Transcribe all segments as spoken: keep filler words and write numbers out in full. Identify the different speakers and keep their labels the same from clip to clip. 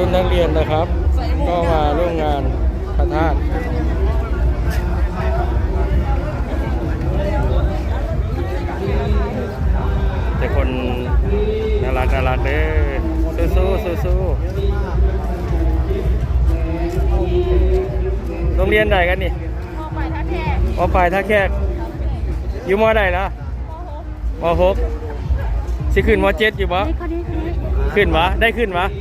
Speaker 1: รุ่นนักเรียนนะครับ ก็มาร่วมงานพระธาตุแต่คนน่ารักน่ารักเด้อสู้สู้สู้สู้โรงเรียนใดกันนี่มอปลายท่าแขกมอปลายท่าแขกอยู่มอใดล่ะมอหกสิขึ้นมอเจ็ดอยู่ปะขึ้นวะได้ขึ้นวะ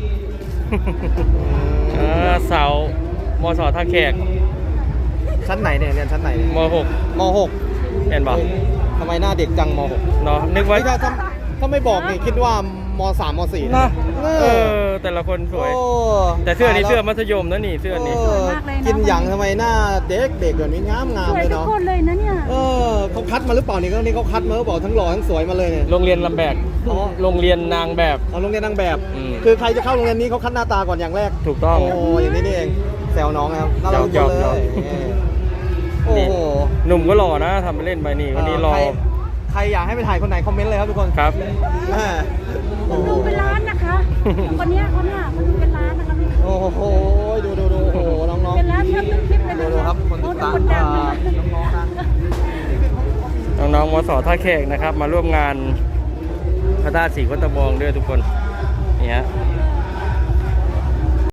Speaker 1: เสามอสอท่าแขก
Speaker 2: ชั้นไหนเนี่ยเรียนชั้นไหน
Speaker 1: มหก
Speaker 2: มหก
Speaker 1: เห็นปะ
Speaker 2: ทำไมหน้าเด็กจังมหก
Speaker 1: เนาะนึกว่า
Speaker 2: ถ้าถ้าไม่บอกนี่คิดว่ามสามมสี่
Speaker 1: นะเออแต่ละคนสวยแต่เสื้อนี่เสื้อมัธยมนะนี่เสื้อนี่
Speaker 2: กินหยังทำไมหน้าเด็กเด็กแบบนี้งามงามเลยเนาะ
Speaker 3: สวยทุกคนเลยนะเนี่ย
Speaker 2: เออเขาคัดมาหรือเปล่านี่ก็นี่เขาคัดมาหรือเปล่าทั้งหล่อทั้งสวยมาเลยเนี่ย
Speaker 1: โรงเรียนลำแบกโรงเรียนนางแบบ
Speaker 2: เอาโรงเรียนนางแบบคือใครจะเข้าโรงเรียนนี้เขาคัดหน้าตาก่อนอย่างแรก
Speaker 1: ถูกต้อง
Speaker 2: โอ้อย่างนี้นี่เองแซวน้องนะครับน่ารักเลยโอ้โห
Speaker 1: หนุ่มก็หล่อนะทำไปเล่นไปนี่วันนี้รอ
Speaker 2: ใครอยากให้ไปถ่ายคนไหนคอมเมนต์เลยครับทุกคน
Speaker 1: ครับ
Speaker 3: ดูเป็นร้านนะคะคนนี้เขาเนี่ยเขาดูเป็นร้านนะคะพี่
Speaker 2: โอ้โหดูดูดูโอ้โหน้องๆ
Speaker 3: เป็นร้านเชื่อมต้นคลิปเลย
Speaker 2: ดูดูครับคนติดตาม
Speaker 1: น้องๆนะน้องๆมสท่าแขกนะครับมาร่วมงานพระธาตุศรีโคตะบองด้วยทุกคนนี่ฮะ